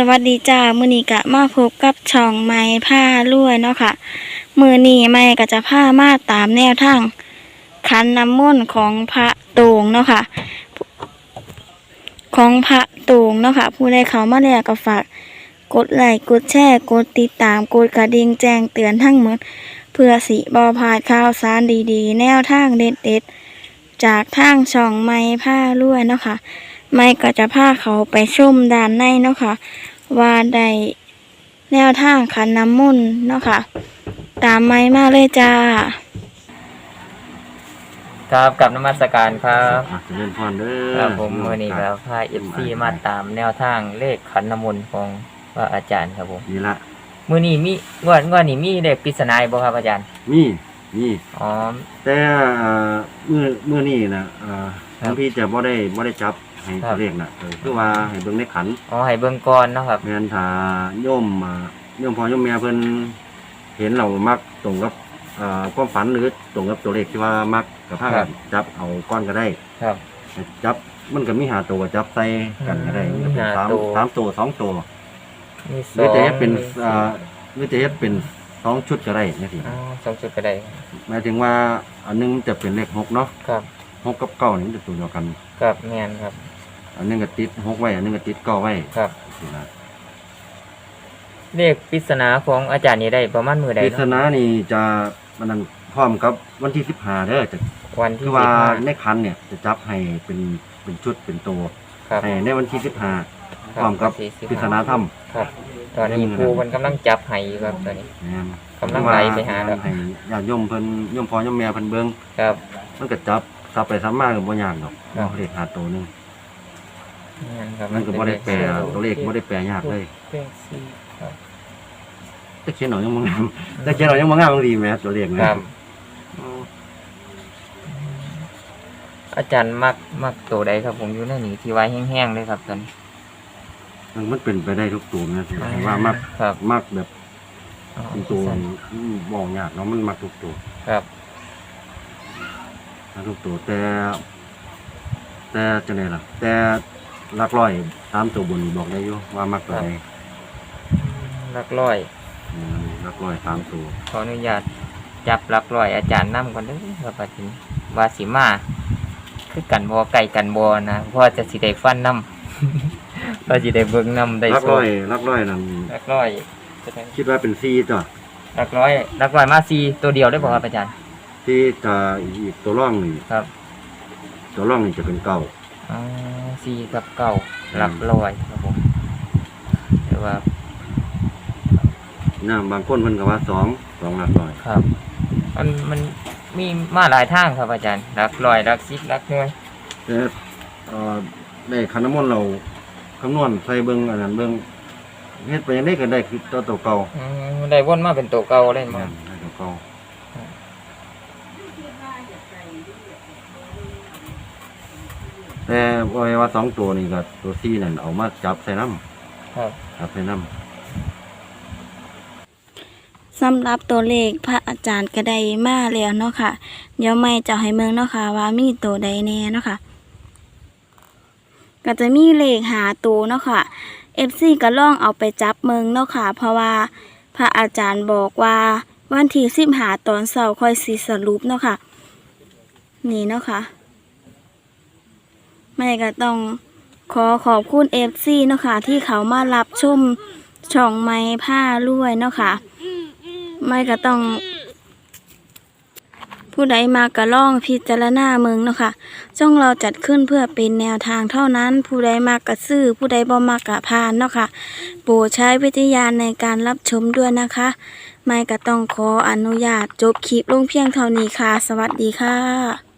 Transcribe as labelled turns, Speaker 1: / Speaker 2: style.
Speaker 1: วัสดีจ้ามื้อนี้กะมาพบกับช่องไม้ผ้ารวยเนาะค่ะมื้อนี้ไม้ก็จะพามาตามแนวทางขันน้ำมนต์ของพระโตงเนาะค่ะของพระโตงเนาะค่ะผู้ใดเข้ามาแล้วก็ฝากกดไลค์กดแชร์กดติดตามกดกระดิ่งแจ้งเตือนทั้งหมดเพื่อสิบ่พลาดข่าวสารดีๆแนวทางเด็ดๆจากทางช่องไม้ผ้ารวยเนาะค่ะไม้ก็จะพาเขาไปชมด้านในเนาะค่ะว่าได้แนวทางขันน้ำมนต์เนาะค่ะตามไม้มาเลยจ้า
Speaker 2: ครับกับนมัสการครับ
Speaker 3: เจริญพรเด้อ
Speaker 2: ครับผมวันนี้เราพาFCมาตามแนวทางเลขขันน้ำมนต์ของพระอาจารย์ครับผม
Speaker 3: นี่ละ
Speaker 2: มื้อนี้มีงวดนี้มีเลขปริศนาบ่ครับอาจารย์
Speaker 3: มี
Speaker 2: อ๋อ
Speaker 3: แต่เมื่อนี้นะหลวงพี่จะบ่ได้จับให้ตัวเลขน่ะคือว่าให้เบิ่งในขัน
Speaker 2: อ๋อให้เบิ่งก่อนเนาะครับ
Speaker 3: แม่นถ้าโยมพ่อโยมแม่เพิ่นเห็นเรามักตรงกับความฝันหรือตรงกับตัวเลขที่ว่ามักก็พากันจับเอาก้อนก็ได้
Speaker 2: ครับ
Speaker 3: จับมันก็มี5ตัวจับใส่กันก็ได้มันเป็น3ตัว2ตัว
Speaker 2: มี
Speaker 3: หรือจะเฮ็ดเป็นหรือจะเฮ็ดเป็น2ชุดก็ได้จังซี่
Speaker 2: อ๋อ2ชุดก็ได้
Speaker 3: หมายถึงว่าอันนึงจะเป็นเลข6เนาะ
Speaker 2: ครับ
Speaker 3: 6กับ9นี่มันจะตัวเดียวกัน
Speaker 2: ครับแม่นครับ
Speaker 3: อันนึงก็ติด6ไว้อันนึงก็ติด9ไว้
Speaker 2: ครับเลขปริศนาของอาจารย์นี่ได้ประมาณมื้อใด
Speaker 3: ปริศนานี่จะมันนั้นพร้อมกับวันที่15เด้อจะ
Speaker 2: วันที่
Speaker 3: คือว่าในคันเนี่ยจะจับให้เป็นชุดเป็นตัวให้ในวันที่15พร้อมกับปริศนาธรรม
Speaker 2: ครับตอนนี้ครูมันกำลังจับให้ครับตอนนี้กำลังไล่ไปหาแล้ว
Speaker 3: ให้ญาติโยมเพิ่นโยมพ่อโยมแม่เพิ่นเบิ่ง
Speaker 2: ครับ
Speaker 3: มันก็จับไปซ้ำมาก็บ่ยากดอกเลข5ตัวนึงมันก็บ่ได้แปลตัวเลขบ่ได้แปลยากเลยแต่เขียนเอายังบ่งามแต่เขียนเอายังบ่งามบางทีแม่ตัวเลขนะครับ
Speaker 2: อาจารย์มักตัวใดครับผมอยู่ในนี้ที่ไว้แห้งๆเลยครับตอนนี้
Speaker 3: มันเป็นไปได้ทุกตัวนะว่ามักแบบตัวบ่ยากเนาะมันมักทุกตัว
Speaker 2: ครับ
Speaker 3: ทุกตัวแต่จังได๋ล่ะแต่หลักร้อย3ตัวบนบอกได้อยู่ว่ามักตัวใด
Speaker 2: หลักร้อย
Speaker 3: 3ตัว
Speaker 2: ขออนุญาตจับหลักร้อยอาจารย์นำก่อนเด้อครับอาจารย์ว่าสิมาคือกันบ่ไก่กันบ่นะเพราะจะสิได้ฟันนำเราสิได้เบิ่งนำได้
Speaker 3: หลักร้อยนั่น
Speaker 2: หลักร้อย
Speaker 3: คิดว่าเป็น4ตัว
Speaker 2: หลักร้อยมา4ตัวเดียวได้บ่ครับอาจารย์
Speaker 3: ที่ถ้าอีกตัวร่องนี่
Speaker 2: ครับ
Speaker 3: ตัวร่องนี่จะเป็น9
Speaker 2: อ๋อ4กับ9หลักร้อยครับผมแต่ว่า
Speaker 3: บางคนเพิ่นก็ว่า2หลักร้อย
Speaker 2: ครับมันมีมาหลายทางครับอาจารย์หลักร้อยหลัก10หลักหน่วย
Speaker 3: แต่ได้ขันน้ำมนต์เราคำนวณใส่เบิ่งอันนั้นเบิ่งเฮ็ดไปยังได๋ก็ได้คือตัวเก่า
Speaker 2: ได้วนมาเป็นตัวเก่าเลยมั้ง
Speaker 3: ได้ตัวเก่าแต่ว่า2ตัวนี่ก็ตัว4นั่นเอามาจับใส่น้ำ
Speaker 2: ครับ
Speaker 3: จับใส่น้ำ
Speaker 1: สำหรับตัวเลขพระอาจารย์ก็ได้มาแล้วเนาะค่ะเดี๋ยวไม่จะให้เมืองเนาะค่ะว่ามีตัวใดแน่เนาะค่ะก็จะมีเลขหาตัวเนาะค่ะ FC ก็ลองเอาไปจับเมืองเนาะค่ะเพราะว่าพระอาจารย์บอกว่าวันที่15ตอนเช้าค่อยสิสรุปเนาะค่ะนี่เนาะค่ะไม่ก็ต้องขอบคุณ FC เนาะค่ะที่เขามารับชมช่องไม้ผ้ารวยเนาะค่ะไม่ก็ต้องผู้ใดมาก็ล่องพิจารณาเมืองเนาะค่ะช่องเราจัดขึ้นเพื่อเป็นแนวทางเท่านั้นผู้ใดมากก็ซื้อผู้ใดบ่มากก็ผ่านเนาะค่ะโปรดใช้วิจารณญาณในการรับชมด้วยนะคะไม่ก็ต้องขออนุญาตจบคลิปลงเพียงเท่านี้ค่ะสวัสดีค่ะ